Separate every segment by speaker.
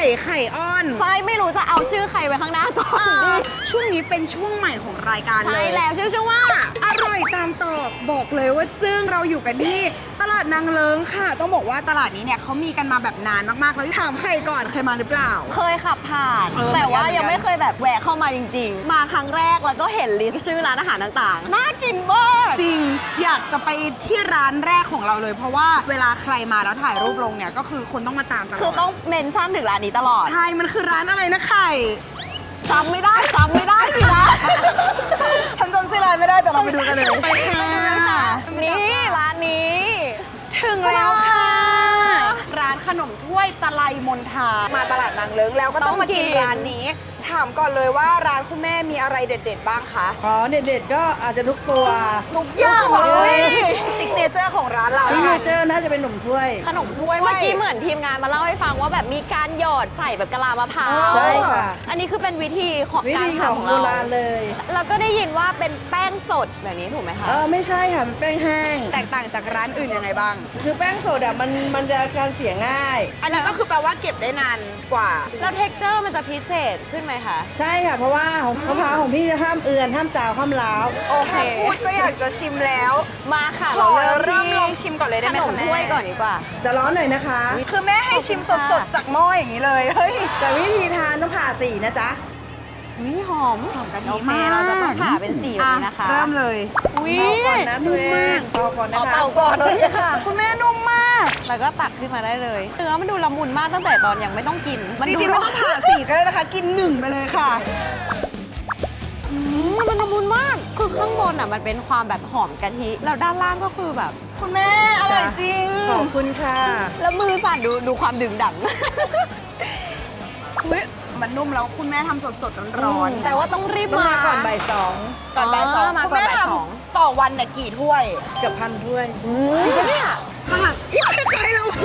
Speaker 1: ไข่อ้อน
Speaker 2: ไฟไม่รู้จะเอาชื่อใครไว้ข้างหน้าก่อนดี
Speaker 1: ช่วงนี้เป็นช่วงใหม่ของรายการเลย
Speaker 2: ใช่แล้วชื่อว่า
Speaker 1: อร่อยตามตอกบอกเลยว่าซึ่งเราอยู่กันที่ตลาดนางเลิ้งค่ะต้องบอกว่าตลาดนี้เนี่ยเขามีกันมาแบบนานมากๆแล้วถามใครก่อนเคยมาหรือเปล่า
Speaker 2: เคยขับผ่านแต่ว่ายังไม่เคยแบบแวะเข้ามาจริงๆมาครั้งแรกแล้วก็เห็นลิสต์ชื่อร้านอาหารต่างๆน่ากินมาก
Speaker 1: จริงอยากจะไปที่ร้านแรกของเราเลย เพราะว่าเวลาใครมาแล้วถ่ายรูปลงเนี่ยก็คือคนต้องมาตามตลอด
Speaker 2: คือต้องเมนชั่นถึงร้านนี้ตลอด
Speaker 1: ใช่มันคือร้านอะไรนะไข่
Speaker 2: จำไม่ได้สินะ
Speaker 1: ฉันจำชื่อร้านไม่ได้แต่เราไปดูกันเลยไปค่ะ
Speaker 2: นี่ร้านนี้
Speaker 1: ถึงแล้วค่ะ ร้านขนมถ้วยตะไลมนทามาตลาดนางเลิ้งแล้วก็ต้องมากินร้านนี้ถามก่อนเลยว่าร้านคุณแม่มีอะไรเด็ดๆบ้างคะ
Speaker 3: อ๋อเด็ดๆก็อาจจะทุกตัว
Speaker 1: ทุกอย่างเลยซิกเนเจอร์ของร้านเรา
Speaker 3: ซิกเนเจอร์น่าจะเป็นหนุ่มถ้วย
Speaker 2: ขนมถ้วยเมื่อกี้เหมือนทีมงานมาเล่าให้ฟังว่าแบบมีการหยอดใส่แบบกะลามะพร้าว
Speaker 3: ใช่ค่ะ
Speaker 2: อันนี้คือเป็นวิธีของ
Speaker 3: วิ
Speaker 2: การ
Speaker 3: ธีของ
Speaker 2: ทำของ
Speaker 3: โบ
Speaker 2: เรา
Speaker 3: ราณเลย
Speaker 2: แล้วก็ได้ยินว่าเป็นแป้งสดแบบนี้ถูกไหมคะ
Speaker 3: ไม่ใช่ค่ะเป็นแป้งแห้ง
Speaker 1: แตกต่างจากร้านอื่นยังไงบ้าง
Speaker 3: คือแป้งสดอ่ะมันจะการเสียง่าย
Speaker 1: อันนี้ก็คือแปลว่าเก็บได้นานกว่า
Speaker 2: แล้วเท็กเจอร์มันจะพิเศษขึ้นไหมคะ
Speaker 3: ใช่ค่ะ เพราะว่าของมะพร้าวของพี่จะห้ามเอือนห้ามจาวห้ามล้าว
Speaker 2: โอเค
Speaker 1: พูดก็อยากจะชิมแล้ว
Speaker 2: มาค่ะ
Speaker 1: ขอ
Speaker 2: ที่
Speaker 1: เริ่มลองชิมก่อนเลยได้ไหม
Speaker 2: ขน
Speaker 1: คะ
Speaker 2: ม
Speaker 1: แม่
Speaker 2: ถ้วยก่อนดีกว่า
Speaker 3: จะร้อนหน่อยนะคะ
Speaker 1: คือแม่ให้ชิมสดๆจากหม้ออย่างนี้เลยเฮ้ย
Speaker 3: แต่วิธีทานต้องผ่าสีนะจ๊ะ
Speaker 2: นี่หอม
Speaker 1: กะทิ
Speaker 2: โอเค
Speaker 1: มาก
Speaker 2: เราจะต้องผ่าเป็นสีแบบนี้นะคะ
Speaker 1: เริ่มเลย
Speaker 2: อุ้ย
Speaker 3: เป่าก่อนนะตัวเองเป่าก่อนนะคะ
Speaker 2: เป่าก่อนเลยค่ะ
Speaker 1: คุณแม่นุ่มมาก
Speaker 2: แล้วก็ตักขึ้นมาได้เลยเนื้อมันดูละมุนมากตั้งแต่ตอนยังไม่ต้องกิน
Speaker 1: จริงๆไม่ต้องผ่าสีก็ได้นะคะ กินหนึ่งไปเลยค่ะ
Speaker 2: มันละมุนมาก คือข้างบนอ่ะมันเป็นความแบบหอมกะทิ แล้วด้านล่างก็คือแบบ
Speaker 1: คุณแม่อร่อยจริง
Speaker 3: ขอบคุณค่ะ
Speaker 2: แล้วมือสั่นดูความดึงดัง
Speaker 1: เฮ้ยมันนุ่มแล้วคุณแม่ทำสดๆร้อนๆ
Speaker 2: แต่ว่าต้องรีบ
Speaker 3: ต้อง
Speaker 2: มา
Speaker 3: มาก่อนบ่ายสอง
Speaker 1: ก่อนบ่ายสอง
Speaker 2: มา
Speaker 1: คุณ
Speaker 2: ก่อน
Speaker 1: แม่
Speaker 2: บ่าย
Speaker 1: ท
Speaker 2: สอง
Speaker 1: ำต่อวันเนี่ยกี่ถ้วย
Speaker 3: เกือบพันถ้วย
Speaker 1: จริงปะเนี่ยข้างหลังใครเรา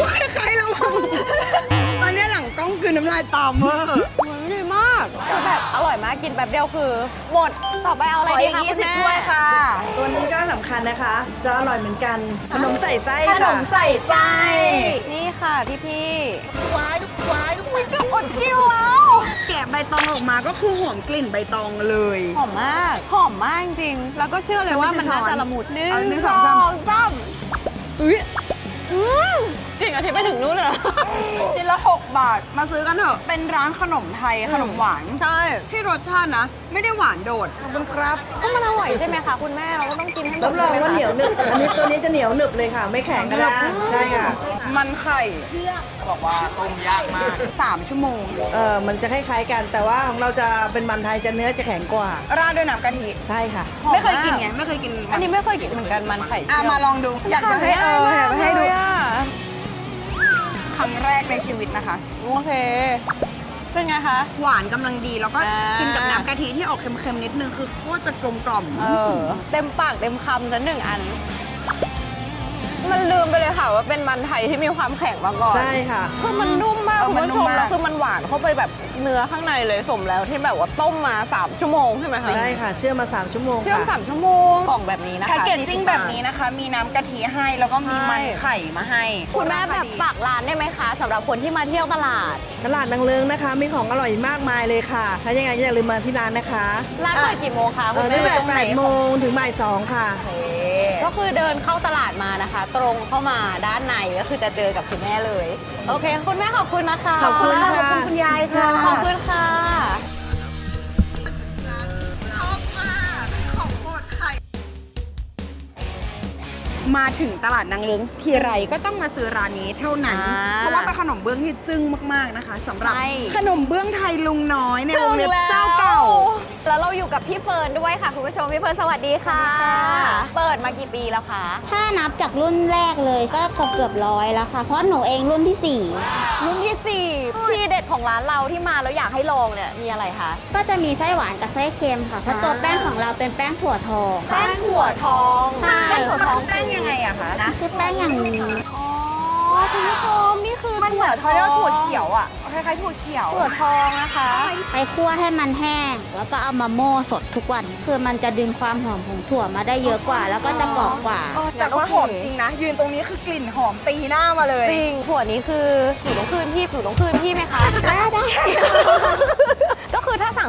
Speaker 1: ตอนนี้หลังกล้องคือน้ำลายตามเวอร์
Speaker 2: มันดีมากคือแบบอร่อยมากกินแบบเดียวคือ หมดต่อไปเอาอะไร
Speaker 1: ขอ
Speaker 2: ดี
Speaker 1: อีก
Speaker 2: คะคุณ
Speaker 1: 20
Speaker 2: แม่
Speaker 1: ถ้วยค่ะ
Speaker 3: ตัวนี้ก็สำคัญนะคะ จะอร่อยเหมือนกัน ขนมใส่ไส้
Speaker 1: ขน
Speaker 3: ค่ะ
Speaker 1: มใส่ไส้
Speaker 2: นี่ค่ะพี่
Speaker 1: ว้ายไม่ก็อดกินแล้ว แกะใบตองออกมาก็คือหอมกลิ่นใบตองเลย
Speaker 2: หอมมากจริงๆแล้วก็เชื่อเลยว่ามันน่าจะละมุด
Speaker 1: เอาหนึ่งสองสาม
Speaker 2: อุ้ยจริงอาทิตย์ไปถึงนู้นเลยเหรอ
Speaker 1: ชิ้นละ 6 บาท มาซื้อกันเถอะ เป็นร้านขนมไทยขนมหวาน
Speaker 2: ใช่
Speaker 1: ที่รสชาตินะ ไม่ได้หวานโดด ขอบคุณครับ
Speaker 2: ก็มันอร่อยใช่ไหมคะคุณแม่เราก็ต้องกินให้หมด
Speaker 3: รับรองว่าเหนียวหนึบ อันนี้ตัวนี้จะเหนียวหนึบเลยค่ะ ไม่แข็งกระด้างใช่ค่ะ
Speaker 1: มันไข่บอกว่าต้มยากมาก 3 ชั่วโมง
Speaker 3: มันจะคล้ายๆกัน แต่ว่าของเราจะเป็นมันไทยจะเนื้อจะแข็งกว่า
Speaker 1: ราดด้วยน้ำกะทิ
Speaker 3: ใช่ค่ะ
Speaker 1: ไม่เคยกินไง ไม่เคยกิน
Speaker 2: อันนี้ไม่เคยกินเหมือนกันมันไข่
Speaker 1: อ่ะ
Speaker 2: เจียว
Speaker 1: มาลองดู อยากจะให้อยากจะให้ดู
Speaker 2: เลยอะ
Speaker 1: ครั้งแรกในชีวิตนะคะ
Speaker 2: โอเค เป็นไงคะ
Speaker 1: หวานกำลังดีแล้วก็
Speaker 2: อ่ากิ
Speaker 1: กินกับน้ำกะทิที่ออกเค็มๆนิดนึงคือโคตรจะกลมกล่อม
Speaker 2: เต็มปากเต็มคำละหนึ่งอัน มันลืมไปเลยค่ะว่าเป็นมันไทยที่มีความแข็งมาก่อน
Speaker 3: ใช่ค่ะ
Speaker 2: คือมันนุ่มมาก
Speaker 1: เออ
Speaker 2: คุณ
Speaker 1: มัน
Speaker 2: ผู้
Speaker 1: นุ่
Speaker 2: ช
Speaker 1: ม
Speaker 2: ม
Speaker 1: มาก
Speaker 2: แล้วคือมันหวานเข้าไปแบบเนื้อข้างในเลยสมแล้วที่แบบว่าต้มมา3 ชั่วโมงใช่ไหมคะ
Speaker 3: ใช่ค่ะ เชื่อมมา 3 ชั่วโมง
Speaker 2: เชื่อม
Speaker 3: ค่ะ
Speaker 2: 3 ชั่วโมงกล่องแบบนี้นะคะ
Speaker 1: แพ็กเกจจิ้งแบบนี้นะคะ มีน้ำกะทิให้แล้วก็มีมันไข่มาให้
Speaker 2: คุณแม่แบบฝากร้านได้ไหมคะสำหรับคนที่มาเที่ยวตลาด
Speaker 3: ตลาดนางเลิงนะคะ มีของอร่อยมากมายเลยค่ะ ถ้ายังไงอย่าลืมมาที่ร้านนะคะ
Speaker 2: ร้านเปิดกี่โมงคะคุณ
Speaker 3: ตั้ง
Speaker 2: แม่
Speaker 3: แต่8 โมงถึงบ่าย 2 ค่ะ
Speaker 2: ก็คือเดินเข้าตลาดมานะคะ ตรงเข้ามาด้านในก็คือจะเจอกับคุณแม่เลย โอเค คุณแม่ขอบคุณนะคะ
Speaker 3: ขอบคุณค่ะ
Speaker 1: ขอบคุณคุณยายค่ะ
Speaker 2: ขอบคุณค่ะ
Speaker 1: ชอบมากของโปรดไข่ มาถึงตลาดนางเลิ้งทีไรก็ต้องมาซื้อร้านนี้เท่านั้น เพราะว่าเป็นขนมเบื้องที่จึ้งมากๆนะคะสำหรับ
Speaker 2: ใช่
Speaker 1: ขนมเบื้องไทยลุงน้อยในวงเล็บเจ้าเก่า
Speaker 2: แล้วเราอยู่กับพี่เฟิร์นด้วยค่ะคุณผู้ชมพี่เฟิร์นสวัสดีค่ะ เปิดมากี่ปีแล้วคะ
Speaker 4: ถ้านับจากรุ่นแรกเลยก็เกือบร้อยแล้วค่ะ เพราะหนูเองรุ่นที่
Speaker 2: รุ่นที่4ที่เด็ดของร้านเราที่มาแล้วอยากให้ลองเนี่ยมีอะไรคะ
Speaker 4: 4 ก็จะมีไส้หวานกับไส้เค็มค่ะ เพราะตัวแป้งของเราเป็นแป้งถั่วทอง
Speaker 2: แป้งถั่วทอง
Speaker 4: ใช่
Speaker 2: แป้งถั่วทอง
Speaker 1: แป้งยังไงอะคะนะ
Speaker 4: คือแป้งอย่างนี้
Speaker 2: อ๋อคุณผู้ชมนี่คือ
Speaker 1: มันเหมือนเขาเรียกว่าถั่วเขียวอะคล้ายๆถั่วเขียว
Speaker 2: ถั่วทองนะคะ
Speaker 4: ไปคั่วให้มันแห้ง แล้วก็เอามาโม่สดทุกวัน คือมันจะดึงความหอมของถั่วมาได้เยอะกว่า แล้วก็จะกรอบกว่า
Speaker 1: แต่ว่าหอมจริงนะ ยืนตรงนี้คือกลิ่นหอมตีหน้ามาเลย
Speaker 2: จริงถั่วนี้คือหนูต้องคืนพี่ไหมคะ
Speaker 4: ได้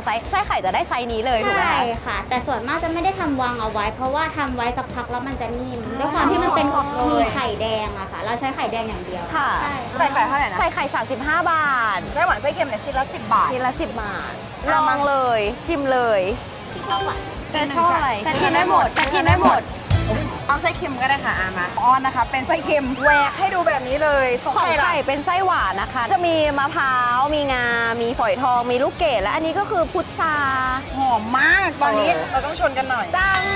Speaker 2: ไส้ไข่จะได้ไซส์นี้เลยถูกไหม
Speaker 4: ใช่
Speaker 2: คะ
Speaker 4: ค่ะ แต่ส่วนมากจะไม่ได้ทำวางเอาไว้ เพราะว่าทำไว้สักพักแล้วมันจะนิ่มด้วยความที่มันเป็นมีไข่แดงอะค่ะ เราใช้ไข่แดงอย่างเดียว
Speaker 2: ค่ะ
Speaker 4: ใช่
Speaker 1: ใส่ไข่เท่าไหร่นะ
Speaker 2: ใส่ไข่ 35 บาท
Speaker 1: ไส้หวานไส้เค็มเนี่ยชิ้นละ10 บาท
Speaker 2: ทีละ10 บาท ล
Speaker 1: เอา
Speaker 2: อ
Speaker 1: มา
Speaker 2: งเลย ชิมเลย
Speaker 4: ที่ชอบหวาน
Speaker 2: แต่ชอบอะไรแต่กินได้หมดแต่กินได้หมด
Speaker 1: เอาไส้เค็มก็ได้ค่ะมาอ้อนนะคะ เป็นไส้เค็มแหวกให้ดูแบบนี้เลย
Speaker 2: ของ
Speaker 1: ล่ะ
Speaker 2: ไข่เป็นไส้หวานนะคะ จะมีมะพร้าว มีงา มีฝอยทอง มีลูกเกดและอันนี้ก็คือพุทรา
Speaker 1: หอมมากตอนนี้
Speaker 2: เออ
Speaker 1: เราต้องชนกันหน่อย
Speaker 2: จัง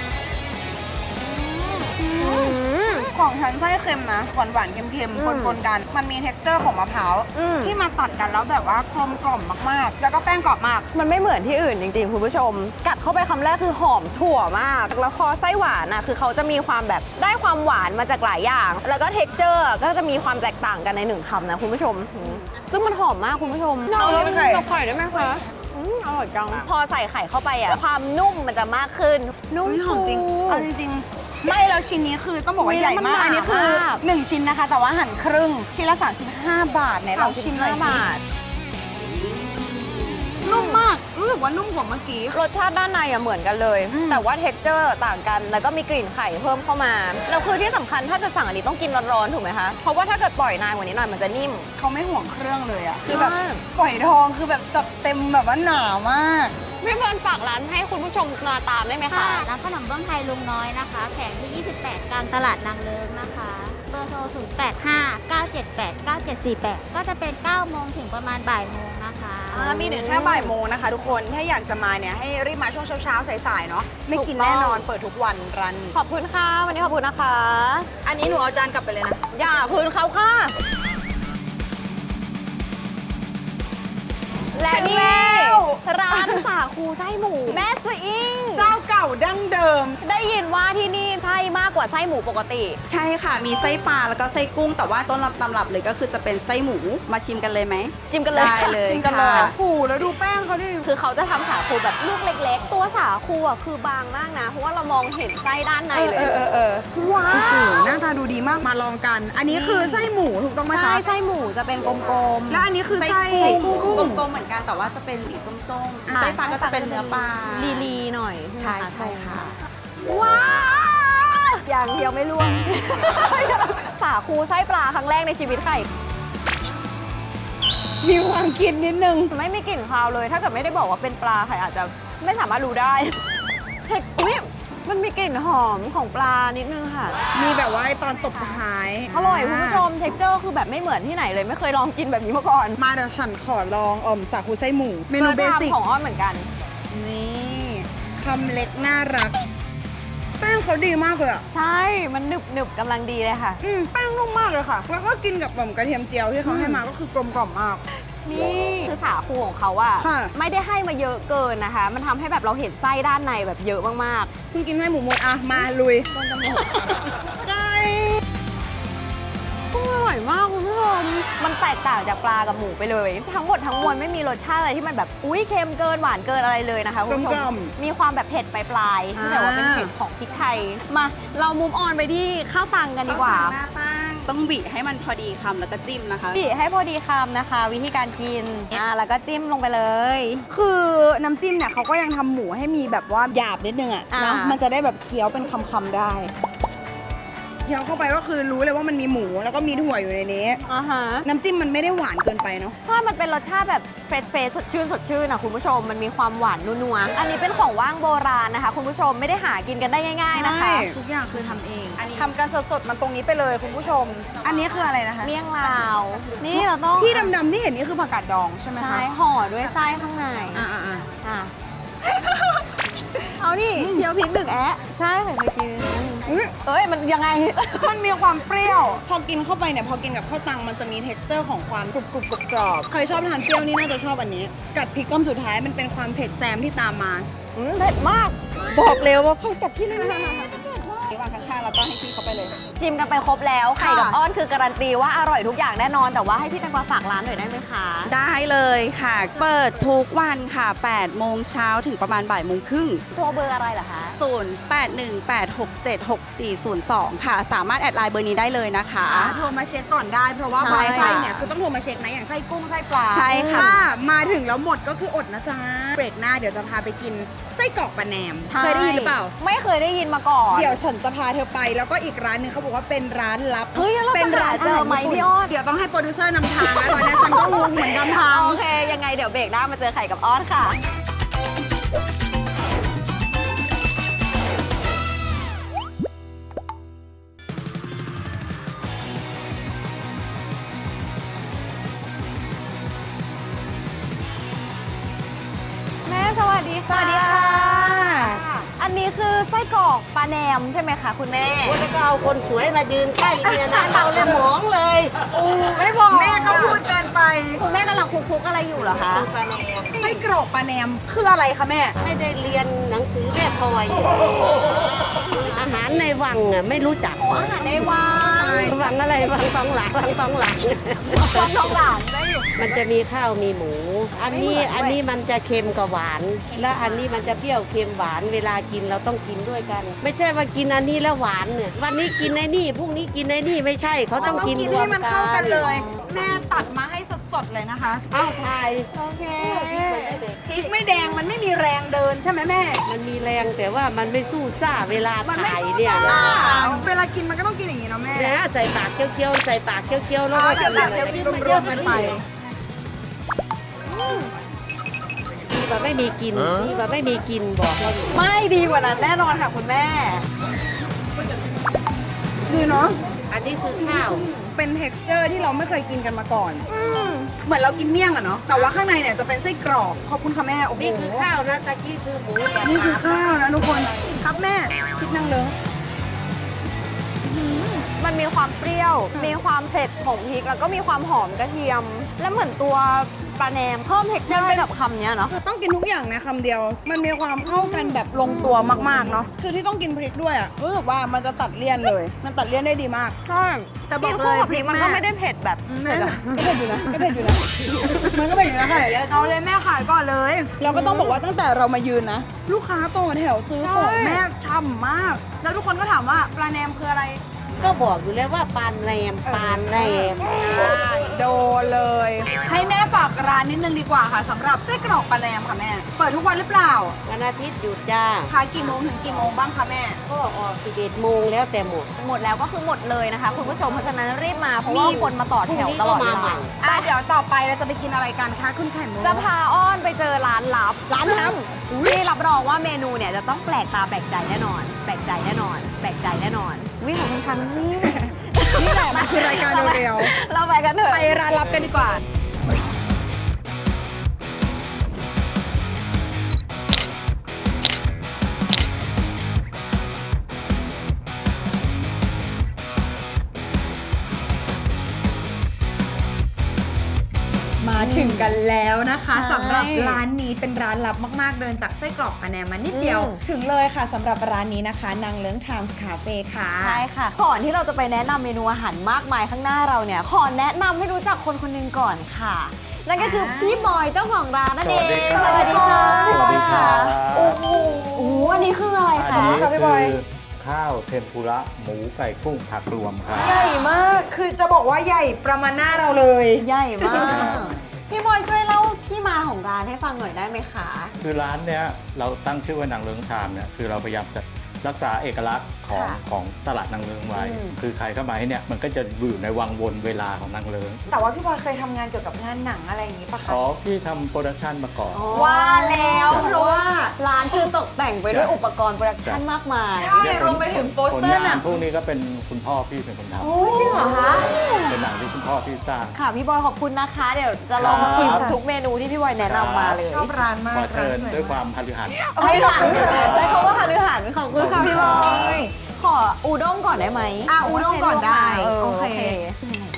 Speaker 2: อืม
Speaker 1: ของฉันไส้เค็มนะหวานหวานๆเค็ม
Speaker 2: อืม
Speaker 1: ๆปนๆกัน มันมี texture ของมะพร้าว
Speaker 2: อืม
Speaker 1: ที่มาตัดกันแล้วแบบว่ากลมกล่อมมากๆ แล้วก็แป้งกรอบมาก
Speaker 2: มันไม่เหมือนที่อื่นจริงๆ คุณผู้ชม กัดเข้าไปคำแรกคือหอมถั่วมาก แล้วพอไส้หวานอ่ะคือเขาจะมีความแบบได้ความหวานมาจากหลายอย่าง แล้วก็เท็กเจอร์ก็จะมีความแตกต่างกันในหนึ่งคำนะคุณผู้ชมซึ่งมันหอมมากคุณผู้ชม
Speaker 1: เอาเลยไข่
Speaker 2: เอาไข่ได้ไหมคะอร่อยจัง พอใส่ไข่เข้าไปอ่ะความนุ่มมันจะมากขึ้น นุ่ม
Speaker 1: เฮ้ยหอมจริง
Speaker 2: ฟู
Speaker 1: เอาจริงๆ ไม่แล้วชิ้นนี้คือต้องบอกว่า
Speaker 2: อุ๊ย
Speaker 1: ใหญ่มาก
Speaker 2: แล้วมันหนา
Speaker 1: อันนี้คือ
Speaker 2: มาก
Speaker 1: 1 ชิ้นนะคะ แต่ว่าหั่นครึ่ง ชิ้นละ 35 บาทไหนลองชิมหน่อยสิ
Speaker 2: บาท
Speaker 1: นุ่มมาก รู้สึกว่านุ่มกว่าเมื่อกี้
Speaker 2: รสชาติด้านในอะเหมือนกันเลย
Speaker 1: อืม
Speaker 2: แต่ว่าเท็กเจอร์ต่างกัน แล้วก็มีกลิ่นไข่เพิ่มเข้ามา แล้วคือที่สำคัญถ้าเกิดสั่งอันนี้ต้องกินร้อนๆถูกไหมคะ เพราะว่าถ้าเกิดปล่อยนานกว่านี้หน่อยมันจะนิ่ม
Speaker 1: เขาไม่ห่วงเครื่องเลยอะคือแบบ
Speaker 2: ใช่
Speaker 1: ฝอยทองคือแบบจัดเต็มแบบว่าหนามาก
Speaker 2: พี่เพิร์นฝากร้านให้คุณผู้ชมมาตามได้ไหม
Speaker 4: ค่ะ
Speaker 2: คะ
Speaker 4: ร้านขนมเบื้องไทยลุงน้อยนะคะ แผงที่ 28 กลางตลาดนางเลิ้งนะคะ เบอร์โทร 0859789748 ก็จะเป็น 9 โมงถึงประมาณบ่ายโมงนะคะ
Speaker 1: มีถึงแค่บ่ายโมงนะคะทุกคน ถ้าอยากจะมาเนี่ยให้รีบมาช่วงเช้าๆสายๆเนาะ ไม่กิน
Speaker 2: ถูกต้อง
Speaker 1: แน่นอน เปิดทุกวันร้านนี้
Speaker 2: ขอบคุณค่ะ วันนี้ขอบคุณนะคะ
Speaker 1: อันนี้หนูเอาจานกลับไปเลยนะ
Speaker 2: อย่าคืนเขาค่ะ และนี่
Speaker 1: แล้ว
Speaker 2: ร้านสาคูไส้หมูแม่สอิง
Speaker 1: เจ้าเก่าดั้งเดิม
Speaker 2: ได้ยินว่าที่นี่ไส้มากกว่าไส้หมูปกติ
Speaker 5: ใช่ค่ะ มีไส้ปลาแล้วก็ไส้กุ้ง แต่ว่าต้นตำรับเลยก็คือจะเป็นไส้หมู มาชิมกันเลยไหม
Speaker 2: ชิมกันเลย
Speaker 5: ได้เลย
Speaker 1: ชิมกันเลย
Speaker 5: ค่ะ
Speaker 1: โอ้โหแล้วดูแป้งเขาดิ
Speaker 2: คือเขาจะทำสาคูแบบลูกเล็กๆ ตัวสาคูอ่ะคือบางมากนะ เพราะว่าเรามองเห็นไส้ด้านในเลย ว้า
Speaker 1: โอ้โห
Speaker 2: ว
Speaker 1: หน้าตาดูดีมาก มาลองกัน อันนี้คือไส้หมูถูกต้องไหม
Speaker 2: ใช่
Speaker 1: คะ
Speaker 2: ไส้หมูจะเป็นกลม
Speaker 1: และอันนี้คือไส้
Speaker 5: กุ้
Speaker 1: กุ้ง
Speaker 5: กลมๆเหมือนกันแต่ว่าจะเป็นสีส้ม
Speaker 2: อ่า
Speaker 5: ๆ ไส้ปลาก็จะเป็นเนื้อปลา
Speaker 2: ๆลีๆหน่อย
Speaker 5: ใช่ใช่ค่ะ
Speaker 2: ว้าวอย่างเดียวไม่ร่วง สาคูไส้ปลาครั้งแรกในชีวิตไข่
Speaker 1: มีความกินนิดนึง
Speaker 2: ไม่มีกลิ่นคาวเลย ถ้าเกิดไม่ได้บอกว่าเป็นปลาไข่อาจจะไม่สามารถรู้ได้เผ็ดอุ๊ยมันมีกลิ่นหอมของปลานิดนึงค่ะ
Speaker 1: มีแบบว่าไอ้ตอนตบท้าย
Speaker 2: อร่อยคุณผู้ชม เท็กเจอร์คือแบบไม่เหมือนที่ไหนเลย ไม่เคยลองกินแบบนี้มาก่อน
Speaker 1: มาเดี๋ยวฉันขอลองสาคูไส้หมู เมนูเบสิก
Speaker 2: ของอ้อนเหมือนกัน
Speaker 1: นี่คำเล็กน่ารัก แป้งเขาดีมากเลยอ่ะ
Speaker 2: ใช่ มันหนึบหนึบกำลังดีเลยค่ะ
Speaker 1: แป้งนุ่มมากเลยค่ะ แล้วก็กินกับกระเทียมเจียวที่เขาให้มาก็คือกลมกล่อมมาก
Speaker 2: นี่คือสาคูของเขาอะ
Speaker 1: ค่ะ
Speaker 2: ไม่ได้ให้มาเยอะเกินนะคะ มันทำให้แบบเราเห็นไส้ด้านในแบบเยอะมาก
Speaker 1: เพิ่งกินไส้หมูหมดอ่ะ มาลุยไก่
Speaker 2: ๆก็อร่อยมากคุณผู้ชมมันแตกต่างจากปลากับหมูไปเลย ทั้งหมดทั้งมวลไม่มีรสชาติอะไรที่มันแบบอุ้ยเค็มเกินหวานเกินอะไรเลยนะคะคุณผู้ชมมีความแบบเผ็ดปลายๆที่แต่ว่าเป็นเผ็ดของพริกไทยมาเรามุมออนไปที่ข้าวตังกันดีกว่า
Speaker 5: หน้าตั้งต้องบีให้มันพอดีคำแล้วก็จิ้มนะคะ
Speaker 2: บีให้พอดีคำนะคะ วิธีการกินแล้วก็จิ้มลงไปเลย
Speaker 1: คือน้ำจิ้มเนี่ยเขาก็ยังทำหมูให้มีแบบว่าหยาบนิดนึงอ่ะ
Speaker 2: อ่า
Speaker 1: เนาะมันจะได้แบบเคี้ยวเป็นคำๆได้ เคี้ยวเข้าไปก็คือรู้เลยว่ามันมีหมูแล้วก็มีถั่วอยู่ในนี้
Speaker 2: อ่าฮะ
Speaker 1: น้ำจิ้มมันไม่ได้หวานเกินไปเนาะ
Speaker 2: ใช่ มันเป็นรสชาติแบบเฟรชสดชื่นนะคุณผู้ชม มันมีความหวานนัวๆ อันนี้เป็นของว่างโบราณนะคะ คุณผู้ชมไม่ได้หากินกันได้ง่ายๆนะคะ
Speaker 1: ใช่ทุกอย่างคือทำเอง ทำกันสดๆมันตรงนี้ไปเลยคุณผู้ชม อันนี้คืออะไรนะคะ
Speaker 2: เมี่ยงลาว นี่เราต้อง
Speaker 1: ที่ดำๆที่เห็นนี่คือผักกาดดองใช่ไหมคะ
Speaker 2: ใช่ห่อด้วยไส้ข้างใน
Speaker 1: อ่า
Speaker 2: อ่ะ เอานี่เคี่ยวพริกดึกแอะใช่เคยกิน
Speaker 1: ๆอุ๊ย
Speaker 2: เอ้ย มันยังไง
Speaker 1: มันมีความเปรี้ยว พอกินเข้าไปเนี่ย พอกินกับข้าวตังมันจะมี texture ของความกรุบๆกรอบๆใครชอบทานเปรี้ยวนี่น่าจะชอบอันนี้ กัดพริกก้อมสุดท้ายมันเป็นความเผ็ดแซมที่ตามมา
Speaker 2: เผ็ดมาก
Speaker 1: บอกเลยว่าเข้ากับที่นั่นๆระหว่างข้ค่ะแล้วก็ให้พี่เขาไปเลย
Speaker 2: ชิมกันไปครบแล้วไข่กับ
Speaker 1: ค่ะ
Speaker 2: อ้อนคือการันตีว่าอร่อยทุกอย่างแน่นอน แต่ว่าให้พี่แตงกวาฝากร้านหน่อยได้ไหมคะ
Speaker 5: ได้เลยค่ะ เปิดทุกวันค่ะ8โมงเช้าถึงประมาณบ่ายโมงครึ่ง
Speaker 2: โทรเบอร์อะไรเหรอคะ
Speaker 5: 0818676402 ค่ะ สามารถแอดไลน์เบอร์นี้ได้เลยนะคะ
Speaker 1: โทรมาเช็คก่อนได้ เพราะว่า
Speaker 5: ใช่
Speaker 1: บางไส้เนี่ยคือต้องโทรมาเช็คนะอย่างไส้กุ้งไส้ปลา
Speaker 5: ใช่ค่ะ
Speaker 1: ถ้ามาถึงแล้วหมดก็คืออดนะจ๊ะเบรกหน้าเดี๋ยวจะพาไปกินไส้กรอกปลาแหนม
Speaker 2: ใช่
Speaker 1: เคยได้ยินหรือเปล่า
Speaker 2: ไม่เคยได้ยินมาก่อน
Speaker 1: เดี๋ยวฉันจะพาเธอไปแล้วก็อีกร้านหนึงเขาบอกว่าเป็นร้านลับ
Speaker 2: เฮ้ยแล้วเรา
Speaker 1: เป็น
Speaker 2: จะหาเจอไหม
Speaker 1: ญี่ปุ่
Speaker 2: พี่อ้อน
Speaker 1: เดี๋ยวต้องให้โปรดิวเซอร์นำทางแล้วตอนนี้ฉันก็งงเหมือนกันทาง
Speaker 2: โอเค ยังไงเดี๋ยวเบรกหน้ามาเจอไข่กับอ้อนค่ะ แม่สวัสดีค่ะ
Speaker 1: สวัสดีค่ะ
Speaker 2: อันนี้คือไส้กรอกปลาแหนมใช่ไหมคะคุณแม่
Speaker 6: แล้วก็เอาคนสวยมายืนใกล้เนี่ยนะเราเลยหมองเลย
Speaker 1: ไม่บอกแม่ก็พูดเกินไป
Speaker 2: คุณแม่กำลังคลุกๆอะไรอยู่เหรอคะ
Speaker 6: ปลาแหนม
Speaker 1: ไส้กรอกปลาแหนมคืออะไรคะแม่
Speaker 6: ไม่ได้เรียนหนังสือแม่พลอยอาหารในวังอ่ะไม่รู้จัก
Speaker 2: อาหารในวัง
Speaker 6: วังอะไรวังทองหลางวังทองหลาง
Speaker 2: วังทองหลางได้อยู่
Speaker 6: มันจะมีข้าวมีหมู อันนี้มันจะเค็มกับหวาน และอันนี้มันจะเปรี้ยวเค็มหวานเวลากินเราต้องกินด้วยกัน ไม่ใช่ว่ากินอันนี้แล้วหวานเนี่ยวันนี้กินในนี่พรุ่งนี้กินในนี่ไม่ใช่เขาต้องกินรว
Speaker 1: ให้
Speaker 6: ม
Speaker 1: มัน
Speaker 6: กั
Speaker 1: เข้ากันเลย แม่ตัดมาให้สดๆเลยนะคะ
Speaker 6: เอ้าทาย
Speaker 2: โอเค
Speaker 1: พริกไม่แดงมันไม่มีแรงเดินใช่ไหมแม่
Speaker 6: มันมีแรงแต่ว่ามันไม่สู้ซ่าเวลาถ่ายเนี่ยนะ
Speaker 1: เวลากินมันก็ต้องกินอย่างนี้เนาะแม่
Speaker 6: นะใส่ปากเคี้ยวๆใส่ปากเคี้ยวๆแล้วก็
Speaker 1: เดี๋ยวแบบรวมๆกันไป
Speaker 6: ดีกว่าไม่มีกินดีกว่าไม่มีกินบอกว่าอยู่
Speaker 2: ไม่ดีกว่านั้นแน่นอนค่ะคุณแม่
Speaker 1: ดีเนาะ
Speaker 6: อันนี้คือข้าว
Speaker 1: เป็น texture ที่เราไม่เคยกินกันมาก่อน เหมือนเรากินเมี่ยงอะเนาะ แต่ว่าข้างในเนี่ยจะเป็นไส้กรอก ขอบคุณค่ะแม่ โอ้โห
Speaker 6: นี่คือข้าวนะตะกี้คือหมูกับ
Speaker 1: นี่คือ
Speaker 6: ปลา
Speaker 1: ข้าวนะทุกคน ครับแม่คิดนั่งเลย
Speaker 2: มันมีความเปรี้ยว มีความเผ็ดของพริก แล้วก็มีความหอมกระเทียม และเหมือนตัวปลาแหนมเพิ่มเท็กเจอร์ให้กับคำเนี้ยเนาะ
Speaker 1: ต้องกินทุกอย่างในคำเดียว มันมีความเข้ากันแบบลงตัวมากๆเนาะ คือที่ต้องกินพริกด้วยอะรู้สึกว่ามันจะตัดเลี่ยนเลย มันตัดเลี่ยนได้ดีมาก
Speaker 2: ใช่
Speaker 1: แต่บอก
Speaker 2: กิน
Speaker 1: เล
Speaker 2: คู่
Speaker 1: ย
Speaker 2: กับพริกมันก็ไม่ได้เผ็ดแบบ
Speaker 1: แม่ก็เผ็ดอยู่นะก็เผ็ดอยู่นะ มันก็เผ็ดอยู่นะค่ะเอาเลยแม่ขายก่อนเลย เราก็ต้องบอกว่าตั้งแต่เรามายืนนะ ลูกค้าต่อแถวซื้อของแม่ช่ำมาก แล้วทุกคนก็ถามว่าปลาแหนมคืออะไร
Speaker 6: ก็บอกอยู่แล้วว่าปานแรมปานแรม
Speaker 1: โดนเลย ให้แม่ฝากร้านนิดนึงดีกว่าค่ะสำหรับไส้กรอกปลาแหนมค่ะแม่ เปิดทุกวันหรือเปล่า
Speaker 6: วันอาทิตย์หยุดจ้า
Speaker 1: ขายกี่โมงถึงกี่โมงบ้างคะแม่
Speaker 6: ก็ออก11โมงแล้วแต่หมด
Speaker 2: หมดแล้วก็คือหมดเลยนะคะ คุณผู้ชม เพราะฉะนั้นรีบมา เพราะว่าคนมาต่อแถวตลอดเว
Speaker 6: พรุ่งนี้ก็มาใหม่
Speaker 2: ลา
Speaker 1: เดี๋ยวต่อไปเราจะไปกินอะไรกันคะคุณไข่มุก
Speaker 2: จะพาอ้อนไปเจอร้านลับ
Speaker 1: ร้านลับ
Speaker 2: ที่รับรองว่าเมนูเนี่ยจะต้องแปลกตาแปลกใจแน่นอน แปลกใจแน่นอน แปลกใจแน่นอนวิของคุณคันนี่
Speaker 1: นี่แหละมันคือรายการเร็ว
Speaker 2: เราไปกันเถ
Speaker 1: ๆ
Speaker 2: อะ
Speaker 1: ไปร้านลับกันดีกว่า มาถึงกันแล้วนะคะ
Speaker 2: ใช่
Speaker 1: สำหรับร้านนี้เป็นร้านลับมากๆ เดินจากไส้กรอกปลาแหนมมานิดเดียว
Speaker 2: อืม
Speaker 1: ถึงเลยค่ะสำหรับร้านนี้นะคะนางเลิ้งไทม์คาเฟ่ค่ะ
Speaker 2: ใช่ค่ะ ก่อนที่เราจะไปแนะนำเมนูอาหารมากมายข้างหน้าเราเนี่ย ขอแนะนำให้รู้จักคนคนหนึงก่อนค่ะ นั่นก็คือพี่บอยเจ้าของร้านนั่นเอง
Speaker 1: สวัสดีค่ะ
Speaker 2: พี่บอยค่ะ
Speaker 1: โอ้โห
Speaker 2: โอ้โหอันนี้คืออะไร
Speaker 7: อัน
Speaker 2: คะ
Speaker 7: นี้
Speaker 1: ค่ะพี่บอย
Speaker 7: คือข้าวเทมปุระหมูไก่กุ้งผักรวมครับ
Speaker 1: ใหญ่มาก คือจะบอกว่าใหญ่ประมาณหน้าเราเลย
Speaker 2: ใหญ่มาก พี่บอยช่วยเล่าที่มาของร้านให้ฟังหน่อยได้ไหมคะ
Speaker 7: คือร้านเนี้ยเราตั้งชื่อว่านางเลิงไทม์เนี่ยคือเราพยายามจะรักษาเอกลักษณ์ของ
Speaker 2: ค่ะ
Speaker 7: ของตลาดนางเลิงไว้
Speaker 2: อืม
Speaker 7: คือใครเข้ามาที่เนี่ยมันก็จะอยู่ในวังวนเวลาของนางเลิง
Speaker 1: แต่ว่าพี่บอยเคยทำงานเกี่ยวกับงานหนังอะไรอย่างนี้ปะคะ
Speaker 7: ขอพี่ทำโปรดักชันมาก่อน
Speaker 1: ว่าแล้วเพราะว่า
Speaker 2: ร้านคือตกแต่งไปด้วยอุปกรณ์โปรดักชั่นมากมาย
Speaker 1: ใช่รวมไปถึงโปส
Speaker 7: ผล
Speaker 1: เตอร์
Speaker 7: งา
Speaker 1: หนั
Speaker 7: น
Speaker 1: ง
Speaker 7: พวกนี้ก็เป็นคุณพ่อพี่เป็นคนท
Speaker 2: โอ้จริงเหรอคะ
Speaker 7: ำเป็นหนังที่คุณพ่อพี่สร้าง
Speaker 2: ค่ะพี่บอยขอบคุณนะคะ เดี๋ยวจะลองชิมทุกเมนูที่พี่บอยแนะนำมาเลย
Speaker 1: ชอบร้านมาก
Speaker 7: ขอเชิญ
Speaker 1: ร้านสวย
Speaker 7: ด้วยค
Speaker 1: มาก
Speaker 7: วามพฤหัส
Speaker 2: ให้หลังใช้คำว่าหารือหันขอบคุณค่ะพี่บอย ขออูด้งก่อนได้ไหม
Speaker 1: อูด้งก่อนได้ โอเค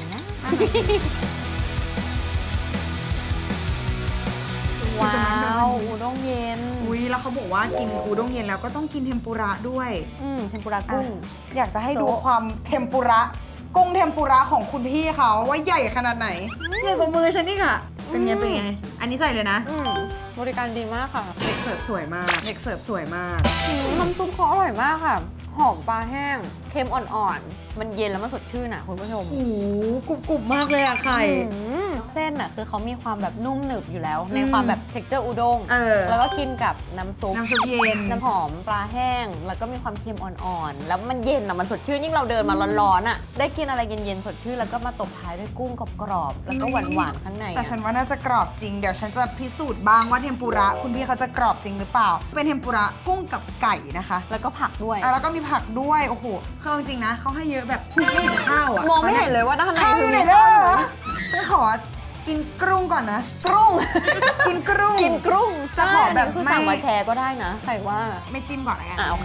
Speaker 2: ว้าวอุด้งเย็น
Speaker 1: อุ้ยแล้วเขาบอกว่ากินอูด้งเย็นแล้วก็ต้องกินเทมปุระด้วย
Speaker 2: เทมปุระกุ้ง
Speaker 1: อยากจะให้ดูความเทมปุระกุ้งเทมปุระของคุณพี่เขาว่าใหญ่ขนาดไหนใหญ่กว่ามือฉันนี่ค่ะ เป็นไงเป็นไง อันนี้ใส่เลยนะ
Speaker 2: บริการดีมากค่ะ
Speaker 1: เด็กเสิร์ฟสวยมากเด็กเสิร์ฟสวยมาก
Speaker 2: น้ำซุปเขาอร่อยมากค่ะ หอมปลาแห้ง เค็มอ่อนๆ มันเย็นแล้วมันสดชื่นอ่ะคุณผู้ชม
Speaker 1: โอ้โหกรุบๆมากเลยอะไข่
Speaker 2: เส้นอ่ะคือเขามีความแบบนุ่มหนึบอยู่แล้ว ในความแบบ texture อุด้ง
Speaker 1: อ
Speaker 2: แล้วก็กินกับน้ำซุป
Speaker 1: น้ำซุปเย็น
Speaker 2: น้ำหอมปลาแห้ง แล้วก็มีความเค็มอ่อนๆ แล้วมันเย็นอ่ะ มันสดชื่น ยิ่งเราเดินมาร้อนๆอ่ะ ได้กินอะไรเย็นๆ สดชื่น แล้วก็มาตบท้ายด้วยกุ้งกรอบๆ แล้วก็หวานๆ ข้างใน
Speaker 1: แต่ฉันว่าน่าจะกรอบจริง เดี๋ยวฉันจะพิสูจน์บ้างว่าเทมปุระคุณพี่เขาจะกรอบจริงหรือเปล่า เป็นเทมปุระกุ้งกับไก่นะคะ
Speaker 2: แล้วก็ผักด้วย
Speaker 1: แล้วก็มีผักด้วย โอ้โหคือจริงๆนะเขาให้เยอะแบบไม่เห็นข้าวอะ
Speaker 2: มองไม่เห็นเลยว่าด้านใน
Speaker 1: ข้าวอ
Speaker 2: คือยู่
Speaker 1: ไหน
Speaker 2: มี
Speaker 1: เด้
Speaker 2: ข้าว
Speaker 1: อฉันขอกินกรุ้งก่อนนะ
Speaker 2: กรุ้ง
Speaker 1: กินกรุ้ง
Speaker 2: กินกรุ้ง
Speaker 1: จะขอแบบ
Speaker 2: คือ
Speaker 1: ไม่
Speaker 2: สั่งมาแชร์ก็ได้นะใครว่า
Speaker 1: ไม่จิ้มก่อนละกัน
Speaker 2: โอเค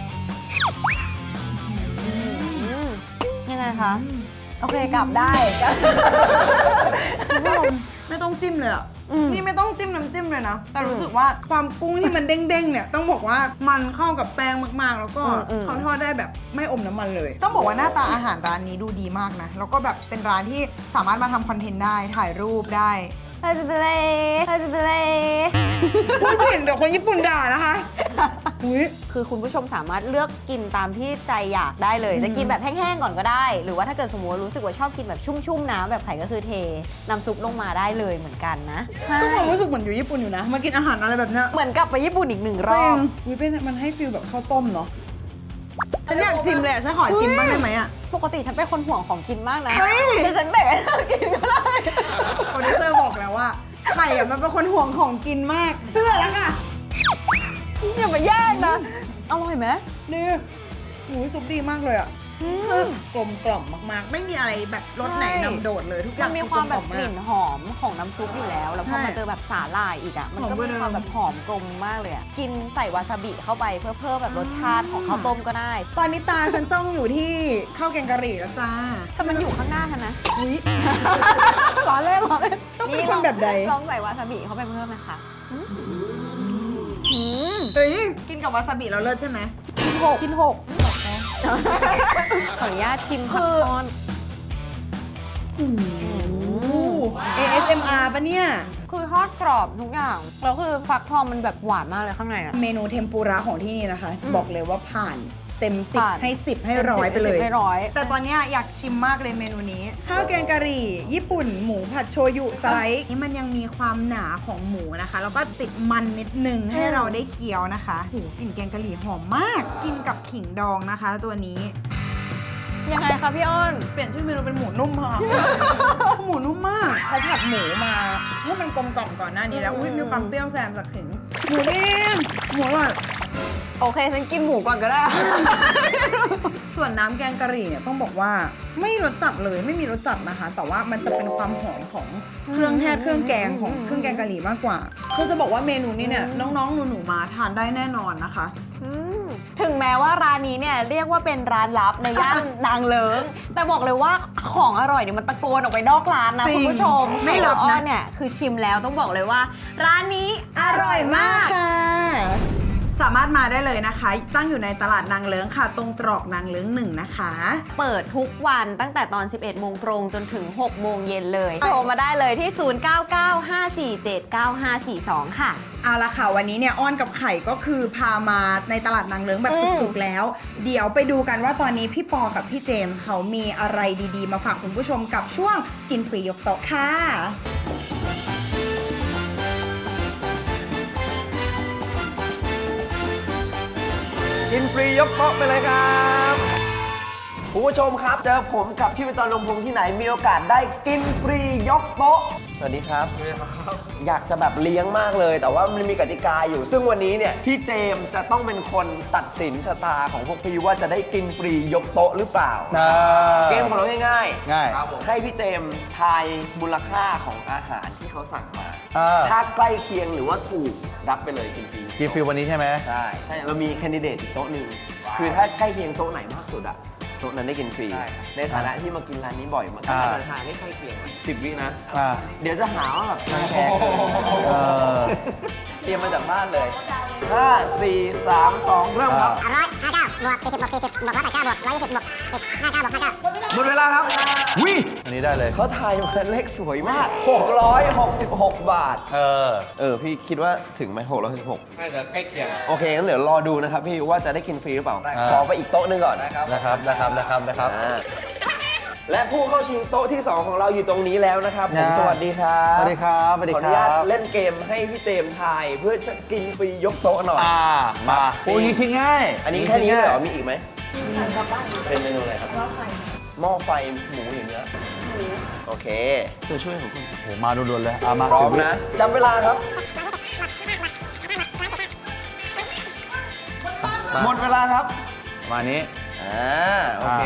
Speaker 2: ยังไงคะ โอเคกลับได้
Speaker 1: คุณผู้ชมไม่ต้องจิ้มเลยอะ นี่ไม่ต้องจิ้มน้ำจิ้มเลยนะ แต่รู้สึกว่าความกุ้งที่มันเด้งๆเนี่ยต้องบอกว่ามันเข้ากับแป้งมากๆ แล้วก็เขาทอดได้แบบไม่อมน้ำมันเลย ต้องบอกว่าหน้าตาอาหารร้านนี้ดูดีมากนะ แล้วก็แบบเป็นร้านที่สามารถมาทำคอนเทนต์ได้ถ่ายรูปได้พูดผิดเดี๋ยวคนญี่ปุ่นด่านะคะอุ๊ย
Speaker 2: คือคุณผู้ชมสามารถเลือกกินตามที่ใจอยากได้เลย จะกินแบบแห้งๆก่อนก็ได้ หรือว่าถ้าเกิดสมมติว่ารู้สึกว่าชอบกินแบบชุ่มๆน้ำแบบไข่ก็คือเทน้ำซุปลงมาได้เลยเหมือนกันนะ
Speaker 1: ทุกคนรู้สึกเหมือนอยู่ญี่ปุ่นอยู่นะ มากินอาหารอะไรแบบเนี้ย
Speaker 2: เหมือนกลับไปญี่ปุ่นอีกหนึ่งร
Speaker 1: จริ
Speaker 2: อง บ
Speaker 1: อุ๊ยเป็นมันให้ฟิลแบบข้าวต้มเนาะฉันอยากชิมเลยอะฉันขอชิมบ้างได้ไหมอะ
Speaker 2: ปกติฉันเป็นคนห่วงของกินมากนะ
Speaker 1: เฮ้ย
Speaker 2: แต่ฉันแบ่งให้เธอกินก็ได้
Speaker 1: โปรดิวเซอร์บอกแล้วว่าไข่อะมันเป็นคนห่วงของกินมาก เชื่อแล้วค่ะ
Speaker 2: อย่ามาแย่งนะ อร่อยไหม
Speaker 1: นี่หูยซุปดีมากเลยอ่ะคือกลมกล่อมมากๆ ไม่มีอะไรแบบรสไหนนำโดดเลยทุกอ
Speaker 2: มั
Speaker 1: ย่าง
Speaker 2: นมีความแบบ
Speaker 1: อก
Speaker 2: ลิ่นหอมของน้ำซุปอยู่แล้ว แล้วพอมาเจอแบบสาหร่ายอีกอ่ะ มันก็มีความแบบหอมกลมมากเลยอ่ะ กินใส่วาซาบิเข้าไปเพื่อเพิ่มแบบรสชาติของข้าวต้มก็ได้
Speaker 1: ตอนนี้ตาฉันจ้องอยู่ที่ข้าวแกงกะหรี่แล้วจ้า
Speaker 2: แต่มันอยู่ข้างหน้าทันนะ
Speaker 1: อุ๊ย
Speaker 2: ร้อนเล่นร้อนเล่น
Speaker 1: ต้องเป็นคนแบบใด
Speaker 2: ลองใส่วาซาบิเข้าไปเพิ่มไหมคะ
Speaker 1: เฮ้ยกินกับวาซาบิแล้วเลิศใช่ไหม
Speaker 2: กินหกขออนุญาตชิมผักทอด
Speaker 1: ASMR ปะเนี่ย
Speaker 2: คือทอดกรอบทุกอย่าง แล้วคือฟักทองมันแบบหวานมากเลยข้างในอ่ะ
Speaker 1: เมนูเทมปุระของที่นี่นะคะ บอกเลยว่าผ่านเต็ม
Speaker 2: ผ่าน
Speaker 1: 10 ให้ 10 ให้ร้อยไปเลย
Speaker 2: ให้ร้อย
Speaker 1: แต่ตอนเนี้ยอยากชิมมากเลยเมนูนี้ ข้าวแกงกะหรี่ ญี่ปุ่นหมูผัดโชยุสไลด์นี่มันยังมีความหนาของหมูนะคะ แล้วก็ติดมันนิดนึงให้เราได้เคี้ยวนะคะโหกลิ่นแกงกะหรี่หอมมาก กินกับขิงดองนะคะ ตัวนี้
Speaker 2: ยังไงคะพี่อ้อน
Speaker 1: เปลี่ยนชื่อเมนูเป็นหมูนุ่มค่ะ หมูนุ่มมากเขาผัดหมูมาให้มันกลมกล่อมก่อนหน้านี้แล้วอุ้ยมีความเปรี้ยวแซมจากขิงหมูเด้งหมูอร่อย
Speaker 2: โอเคฉันกินหมูก่อนก็ได้
Speaker 1: ส่วนน้ำแกงกะหรี่เนี่ยต้องบอกว่าไม่รสจัดเลยไม่มีรสจัดนะคะ แต่ว่ามันจะเป็นความหอมของเครื่องเทศเครื่องแกงของเครื่องแกงกะหรี่มากกว่าคือจะบอกว่าเมนูนี้เนี่ยน้องๆหนูๆมาทานได้แน่นอนนะคะ
Speaker 2: ถึงแม้ว่าร้านนี้เนี่ยเรียกว่าเป็นร้านลับในย่าน นางเลิง แต่บอกเลยว่าของอร่อยเนี่ยมันตะโกนออกไปนอกร้านนะ
Speaker 1: จริง
Speaker 2: คุณผู้ชม
Speaker 1: ไม่ลับนะ
Speaker 2: อ้อนเนี่ยคือชิมแล้วต้องบอกเลยว่า ร้านนี้
Speaker 1: อร่อยมากค่ะ สามารถมาได้เลยนะคะ ตั้งอยู่ในตลาดนางเลิ้งค่ะ ตรงตรอกนางเลิ้ง1นะคะ
Speaker 2: เปิดทุกวันตั้งแต่ตอน 11 โมงตรงจนถึง 6 โมงเย็นเลย โทรมาได้เลยที่ 0995479542 ค่ะ
Speaker 1: เอาละค่ะวันนี้เนี่ยอ้อนกับไข่ก็คือพามาในตลาดนางเลิ้งแบบจุกๆแล้ว เดี๋ยวไปดูกันว่าตอนนี้พี่ปอกับพี่เจมส์เขามีอะไรดีๆ มาฝากคุณผู้ชมกับช่วงกินฟรียกโต๊ะค่ะ
Speaker 8: กินฟรียกโต๊ะไปเลยครับคุณผู้ชมครับเจอผมกับชีวิตตอนลมพงที่ไหนมีโอกาสได้กินฟรียกโต๊ะสวัสดีครับอยากจะแบบเลี้ยงมากเลย แต่ว่ามันมีกติกาอยู่ ซึ่งวันนี้เนี่ยพี่เจมส์จะต้องเป็นคนตัดสินชะตาของพวกพี่ว่าจะได้กินฟรียกโต๊ะหรือเปล่าเกมของเราง่ายๆให้พี่เจมส์ทายมูลค่าของอาหารที่เขาสั่งมาถ้าใกล้เคียงหรือว่าถูกรับไปเลยกินฟรี
Speaker 9: กินฟรีวันนี้ใช่ไหม
Speaker 8: ใช่เรามีแคนดิเดตอีกโต๊ะหนึ่งคือถ้าใกล้เคียงโต๊ะไหนมากสุดอะโต๊ะนั้นได้กินฟรีในฐานะที่มากินร้านนี้บ่อยมันก็จะทานให้ใกล้เคียง10 วินะเดี๋ยวจะหาว่าแบบทางแพง
Speaker 9: เออ
Speaker 8: จรียมมาจากบ้านเลย 5 4 3 2 เริ่มครับ หมดเวลาครับวิ
Speaker 7: อันนี้ได้เลย
Speaker 8: เขาทายมาเลขสวยมาก 666 บาท พี่คิดว่าถึงไหม666น่าจะใกล้เคียงโอเคงั้นเดี๋ยวรอดูนะครับพี่ว่าจะได้กินฟรีหรือเปล่า ขอไปอีกโต๊ะหนึงก่อน
Speaker 7: นะครับ
Speaker 8: และผู้เข้าชิงโต๊ะที่ 2 ของเราอยู่ตรงนี้แล้วนะครับผมสวัสดีครับ
Speaker 7: สวัสดีครับ
Speaker 8: ขออนุญาตเล่นเกมให้พี่เจมส์ทายเพื่อจะกินฟรียกโต๊ะหน่อย
Speaker 7: มาโอ้ยคิดง่าย
Speaker 8: อันนี้แค่นี้เหรอ มีอีกไหมเป็นเมนูอะไรครับ หม้อไฟหมูหรือเนื้อโอเค ตัวช่วยของคุณ
Speaker 7: โหมาด่วนๆเลยมา
Speaker 8: พร้อมนะจำเวลาครับ หมดเวลาครับ
Speaker 7: มานี้
Speaker 8: โอเค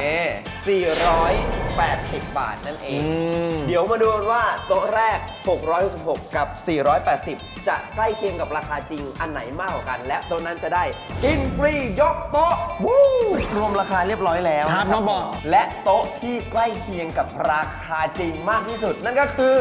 Speaker 8: 480 บาทนั่นเอง เดี๋ยวมาดูกันว่าโต๊ะแรก 666 กับ 480 จะใกล้เคียงกับราคาจริงอันไหนมากกว่ากัน และโต๊ะนั้นจะได้กินฟรียกโต๊ะวู้รวมราคาเรียบร้อยแล้ว
Speaker 7: ครับน้องบอก
Speaker 8: และโต๊ะที่ใกล้เคียงกับราคาจริงมากที่สุด นั่นก็คือ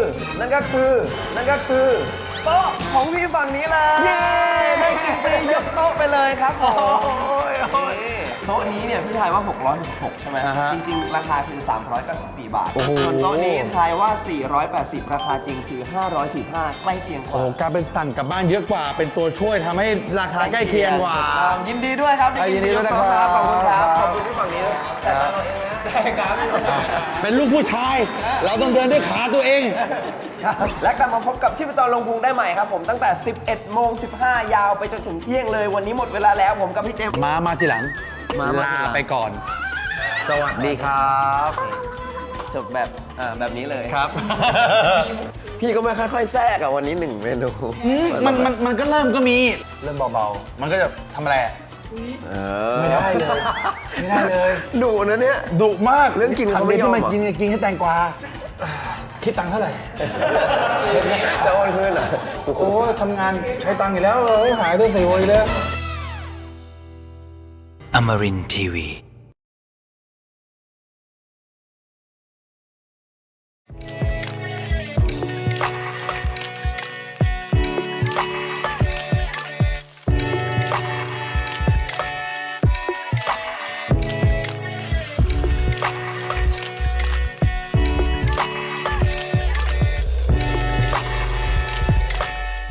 Speaker 8: โต๊ะของพี่ฝั่งนี้เลยได้กินฟรียกโต๊ะไปเลยครับผมโต๊ะนี้เนี่ยพี่ทายว่า 666 ใช่ไหม จริงๆ ราคาคือ 394 บาท ส่วนโต๊ะนี้ทายว่า 480 ราคาจริงคือ 545 ใกล้เคียงก
Speaker 7: โอ้
Speaker 8: ว่า
Speaker 7: การเป็นสั่งกลับบ้านเยอะกว่า เป็นตัวช่วยทำให้ราคาใกล้เคียงกว่า
Speaker 8: ยินดีด้วยครับ
Speaker 7: ยินดีด้วยนะครับ
Speaker 8: ขอบคุณครับ ขอบคุณที่ฝั่งนี้ด้วยแต่ตอนเราเองนะได้ครับ
Speaker 7: เป็นลูกผู้ชาย เราต้องเดินด้วยขาตัวเอง
Speaker 8: และกลับมาพบกับชีพจรลงพุงได้ใหม่ครับผมตั้งแต่ 11:15 ยาวไปจนถึงเที่ยงเลย วันนี้หมดเวลาแล้วผมกับพี่เจมส์
Speaker 7: มาทีหลัง
Speaker 8: มาทีหลั
Speaker 7: ลาง ไปก่อน สวัสดีครับ
Speaker 8: จบแบบนี้เลย
Speaker 7: ครับ
Speaker 8: พี่ก็ไม่ค่อยๆแทรกอะวันนี้1 เมนู
Speaker 7: มันก็เริ่มก็มี เริ่มเบาๆ มันก็จะทำอะไรอะไม่ได้เลย ไม่ได้เลย
Speaker 8: ดุนะเนี่ย
Speaker 7: ดุมาก
Speaker 8: เรื่องกินเขาไม่ยอม
Speaker 7: ทำกินกินให้แตงกวา คิดตังค์เท่าไหร่
Speaker 8: จะโอนคืนเหรอ
Speaker 7: โอ้ทำงานใช้ตังค์อยู่แล้วหายด้วยใส่โวยเลย
Speaker 9: Amarin Tiwi.